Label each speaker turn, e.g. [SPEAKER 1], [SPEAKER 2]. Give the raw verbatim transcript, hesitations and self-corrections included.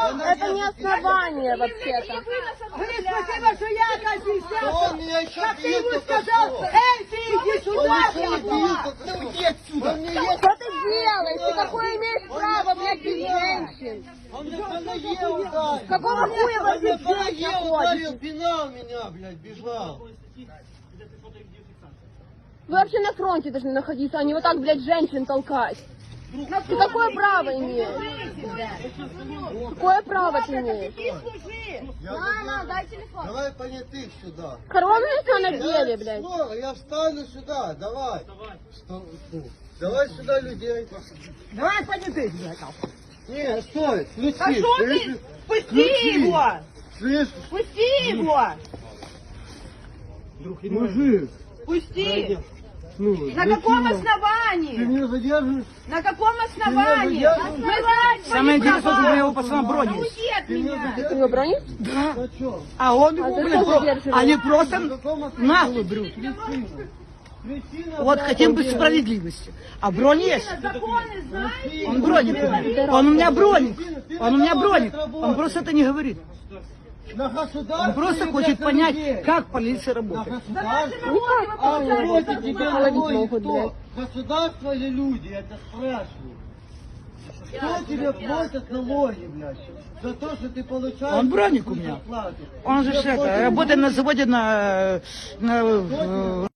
[SPEAKER 1] Это не основание вообще-то.
[SPEAKER 2] Говорит, спасибо, что я
[SPEAKER 3] Он меня еще
[SPEAKER 2] как ты
[SPEAKER 3] бьет,
[SPEAKER 2] ему
[SPEAKER 3] только
[SPEAKER 2] сказал,
[SPEAKER 3] что.
[SPEAKER 2] эй, ты иди сюда,
[SPEAKER 3] Он еще
[SPEAKER 2] блядь,
[SPEAKER 3] не бьет, только что. Уйди отсюда. Он мне
[SPEAKER 1] Что ты делаешь? Ты какое имеешь право, блядь, без женщин?
[SPEAKER 3] Он мне по ноге ударил.
[SPEAKER 1] Какого хуя
[SPEAKER 3] Он
[SPEAKER 1] вас
[SPEAKER 3] мне
[SPEAKER 1] здесь
[SPEAKER 3] по ноге
[SPEAKER 1] женщин
[SPEAKER 3] ударил,
[SPEAKER 1] ходит?
[SPEAKER 3] пинал меня, блядь, бежал.
[SPEAKER 1] Вы вообще на фронте должны находиться, а не вот так, блядь, женщин толкать. Ты какое право имеешь? Какое право ты имеешь?
[SPEAKER 3] Я
[SPEAKER 1] Мама,
[SPEAKER 3] заберу.
[SPEAKER 1] дай телефон.
[SPEAKER 3] Давай понятых сюда.
[SPEAKER 1] Коронные все на деле,
[SPEAKER 3] Я,
[SPEAKER 1] блядь.
[SPEAKER 3] скоро, я встану сюда, давай. Что- ну, Давай сюда людей.
[SPEAKER 2] Давай понятых, блядь.
[SPEAKER 3] Не, стой, включи.
[SPEAKER 2] А что ты?
[SPEAKER 3] слышишь?
[SPEAKER 2] Пусти
[SPEAKER 3] Включи.
[SPEAKER 2] его!
[SPEAKER 3] Слышишь?
[SPEAKER 2] Пусти его!
[SPEAKER 3] Мужик,
[SPEAKER 2] Пусти!
[SPEAKER 3] ну,
[SPEAKER 2] На
[SPEAKER 3] зачем?
[SPEAKER 2] каком
[SPEAKER 3] Ты
[SPEAKER 2] основании?
[SPEAKER 3] меня задерживаешь?
[SPEAKER 2] На каком основании?
[SPEAKER 3] задерживаешь?
[SPEAKER 2] Мы знаем
[SPEAKER 4] Самое
[SPEAKER 2] твои
[SPEAKER 4] интересное,
[SPEAKER 2] права.
[SPEAKER 4] что у него пацана брони есть.
[SPEAKER 2] Уйди от
[SPEAKER 3] Ты меня
[SPEAKER 2] меня!
[SPEAKER 1] Ты
[SPEAKER 3] задерживаешь?
[SPEAKER 1] его бронишь?
[SPEAKER 4] Да.
[SPEAKER 3] Зачем?
[SPEAKER 4] А он
[SPEAKER 1] А
[SPEAKER 4] его,
[SPEAKER 1] ты
[SPEAKER 4] блин,
[SPEAKER 1] что
[SPEAKER 4] про-
[SPEAKER 1] задерживаешь?
[SPEAKER 4] они
[SPEAKER 3] На
[SPEAKER 4] просто
[SPEAKER 3] каком основании?
[SPEAKER 4] нагло берут.
[SPEAKER 3] Причина,
[SPEAKER 4] Вот
[SPEAKER 3] блядь,
[SPEAKER 4] хотим быть
[SPEAKER 3] убей.
[SPEAKER 4] справедливости. А бронь есть.
[SPEAKER 2] Законы знаете?
[SPEAKER 4] Он броник. Он у меня броник. Он у меня броник. Он просто это не говорит.
[SPEAKER 3] На государственные,
[SPEAKER 4] Он просто
[SPEAKER 3] блядь,
[SPEAKER 4] хочет
[SPEAKER 3] на
[SPEAKER 4] понять,
[SPEAKER 3] людей.
[SPEAKER 4] как полиция
[SPEAKER 3] На
[SPEAKER 4] работает.
[SPEAKER 3] государство.
[SPEAKER 1] Никак,
[SPEAKER 3] А
[SPEAKER 1] правильно.
[SPEAKER 3] против тебя
[SPEAKER 1] Холодить
[SPEAKER 3] налоги
[SPEAKER 1] могут,
[SPEAKER 3] кто?
[SPEAKER 1] блядь.
[SPEAKER 3] Государство или люди? Я тебя спрашиваю. Кто тебе платит налоги, блядь? За то, что ты получаешь...
[SPEAKER 4] Он броник у меня.
[SPEAKER 3] зарплату.
[SPEAKER 4] Он же
[SPEAKER 3] Тебе
[SPEAKER 4] ж это,
[SPEAKER 3] платят
[SPEAKER 4] работает на заводе на, на,